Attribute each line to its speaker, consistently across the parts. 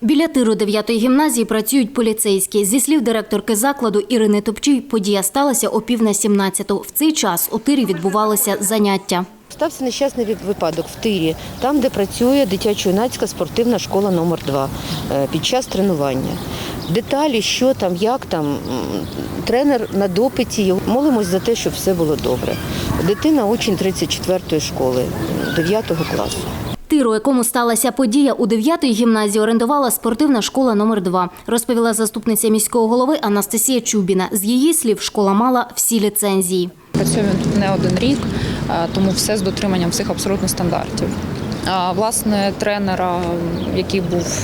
Speaker 1: Біля тиру 9-ї гімназії працюють поліцейські. Зі слів директорки закладу Ірини Топчій, подія сталася о 17:15. В цей час у тирі відбувалися заняття.
Speaker 2: Стався нещасний випадок в тирі, там, де працює дитячо-юнацька спортивна школа номер 2 під час тренування. Деталі, що там, як там, тренер на допиті. Молимось за те, щоб все було добре. Дитина – учень 34-ї школи, 9 класу.
Speaker 1: Тир, у якому сталася подія, у 9-ї гімназії орендувала спортивна школа номер 2, розповіла заступниця міського голови Анастасія Чубіна. З її слів, школа мала всі ліцензії.
Speaker 3: Працюємо тут не один рік, тому все з дотриманням всіх абсолютно стандартів. Власне, тренера, який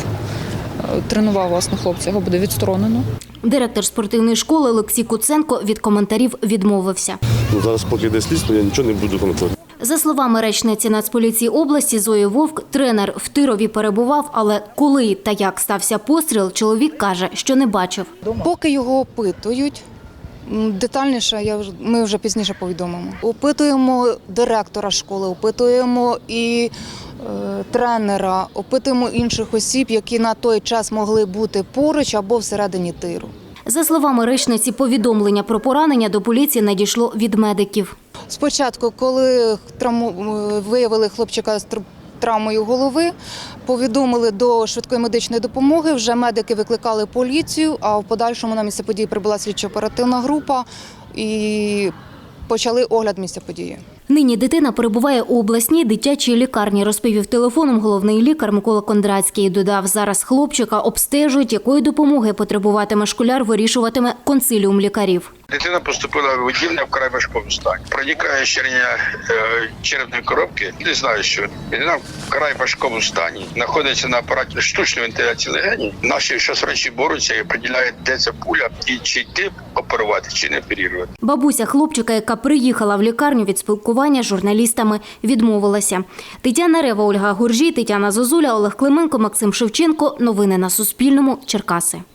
Speaker 3: тренував хлопців, його буде відсторонено.
Speaker 1: Директор спортивної школи Олексій Куценко від коментарів відмовився.
Speaker 4: Зараз, поки йде слідство, я нічого не буду коментувати.
Speaker 1: За словами речниці Нацполіції області Зої Вовк, тренер в Тирові перебував, але коли та як стався постріл, чоловік каже, що не бачив.
Speaker 5: Поки його опитують, детальніше ми вже пізніше повідомимо. Опитуємо директора школи, опитуємо і тренера, опитуємо інших осіб, які на той час могли бути поруч або всередині тиру.
Speaker 1: За словами речниці, повідомлення про поранення до поліції надійшло від медиків.
Speaker 5: Спочатку, коли виявили хлопчика з травмою голови, повідомили до швидкої медичної допомоги, вже медики викликали поліцію, а в подальшому на місце події прибула слідчо-оперативна група і почали огляд місця події.
Speaker 1: Нині дитина перебуває у обласній дитячій лікарні, розповів телефоном головний лікар Микола Кондратський. Додав, зараз хлопчика обстежують, якої допомоги потребуватиме школяр, вирішуватиме консиліум лікарів.
Speaker 6: Дитина поступила в відділення вкрай важкому стані. Проникає щирення черепної коробки. Не знаю, що дитина вкрай важкому стані. Знаходиться на апараті штучної вентиляції легенів. Наші шосрачі борються і приділяють, де ця пуля, і чи йти оперувати, чи не оперувати.
Speaker 1: Бабуся хлопчика, яка приїхала в лікарню від спілкування з журналістами, відмовилася. Тетяна Рева, Ольга Гуржій, Тетяна Зозуля, Олег Клименко, Максим Шевченко. Новини на Суспільному. Черкаси.